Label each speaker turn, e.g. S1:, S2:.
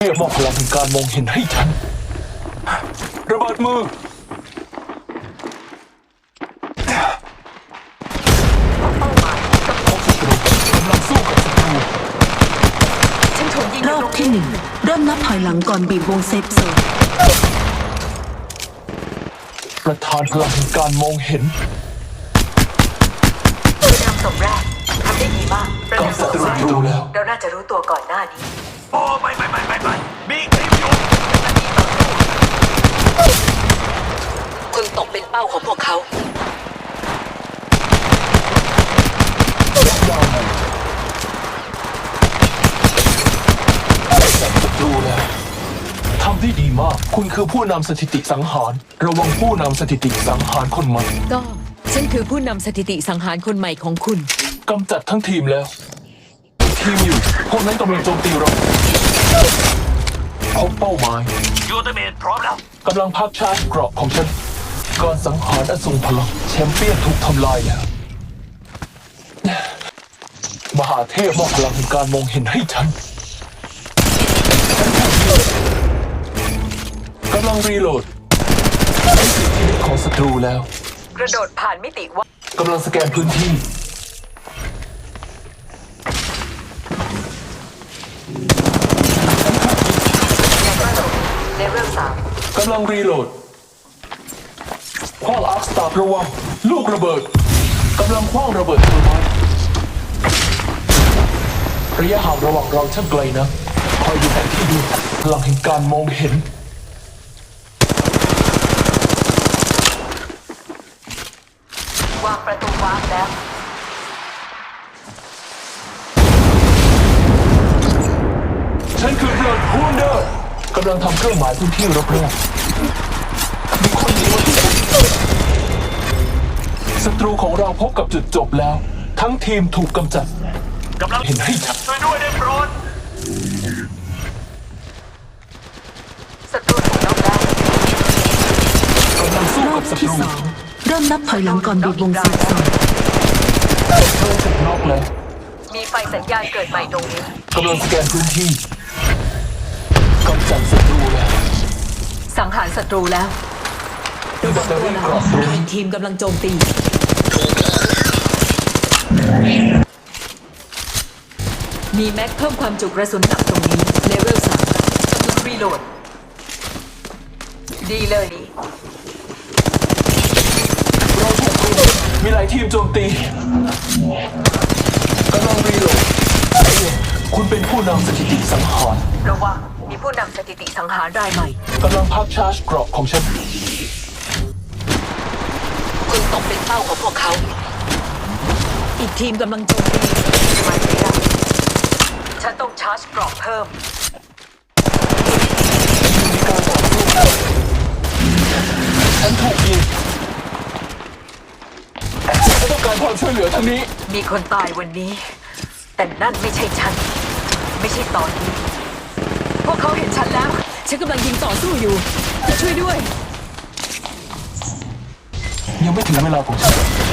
S1: เรียกมอบพลังแห่งการมองเห็นให้ฉันระเบิดมือกำลังสู้กับศัตรู
S2: ฉันถูกยิง
S3: รอบที่หนึ่งเริ่มนับถอยหลังก่อนบีบวงเซฟโซน
S1: ประธานพลังแห่งการมองเห็น
S2: ผู้นำศพแรกทำได้ดีมากประ
S1: กับ
S2: นำศ
S1: ศั
S2: พ
S1: ตรู
S2: สอง
S1: รู้แล้ว
S2: เราน่าจะรู้ตัวก่อนหน้านี้
S4: โอ้ไม่มีคลิปอยู่
S2: คุณตกเป็นเป้าของพวกเขา
S1: ยาวจับศัตรูแล้วทำได้ดีมากคุณคือผู้นำสถิติสังหารระวังผู้นำสถิติสังหารคนใหม่
S5: ก็ฉันคือผู้นำสถิติสังหารคนใหม่ของคุณ
S1: กำจัดทั้งทีมแล้วทีมอยู่พวกนั้นกำลังโจมตีเราพบเป้าหมาย
S4: ยูเตเมนพร้อมแล้ว
S1: กำลังพักชาร์จเกราะของฉันก่อนสังหารอสูรพลังแชมเปี้ยนถูกทำลายแล้วมหาเทพมอบพลังแห่งการมองเห็นให้ฉันกำลังรีโหลดได้สิทธิของศัตรูแล้ว
S2: กระโดดผ่านมิติว่าก
S1: ำลังสแกนพื้นที่
S2: เลเวล3
S1: กำลังรีโหลดคว้างอาร์คสตาร์ระวังลูกระเบิดกำลังคว้างระเบิดเทอร์ไมท์ระยะห่างระหว่างเราช่างไกลนะคอยดูแผนที่ดูพลังแห่งการมองเห็น
S2: วางประตูวาร์ปแล้ว
S1: ฉันคือเบลดฮูนเดอร์กำลังทำเครื่องหมายพื้นที่รอบๆมีคนยิงมาที่ฉันศัตรูของเราพบกับจุดจบแล้ว ทั้งทีมถูกกำจัด
S4: กำลัง
S1: เห็นให้ชัด
S4: ช่วยด้วยได้โปรด
S2: ศัตรูถูกน็อกแล้ว
S1: กำลังสู้
S3: รอ
S1: กั
S3: บบ
S1: ศัต
S3: ที่
S1: รู
S3: สองเริ่มนับถอยหลังก่อนบีบวงเซฟโซน
S1: เธอถูกน็อกแล้ว
S2: มีไฟสัญญาณเกิดใหม่ตรงนี้
S1: กำลังสแกนพื้นที่กำจัดศัตรูแล้ว
S2: สังหารศัตรูแล้ว
S1: แบตเตอรี่กรอบตรง
S5: ทีมกำลังโจมตี มีแม็กเพิ่มความจุกระสุนหนักตรงนี้เลเวล3
S2: กำลังรีโหลด ดีเลยดี
S1: เราถูกรุมมีหลายทีมโจมตีกำลังรีโหลดคุณเป็นผู้นำสถิติสังหาร
S2: ระวังมีผู้นำสถิติสังหารรายใหม่
S1: กำลังพักชาร์จเกราะของฉัน
S2: คุณตกเป็นเป้าของพวกเขา
S5: อีกทีมกำลังโจมตี
S2: มันไม่ได้ฉันต้องชาร์จเกรอบเพิ่ม
S1: ฉันถูกยิงฉันต้องการความช่วยเหลือทางนี้
S2: มีคนตายวันนี้ แต่นั่นไม่ใช่ฉัน ไม่ใช่ตอนนี้ พวกเขาเห็นฉันแล้ว
S5: ฉันกำลังยิงต่อสู้อยู่จะช่วยด้วย
S1: ยังไม่ถึงเวลาของฉัน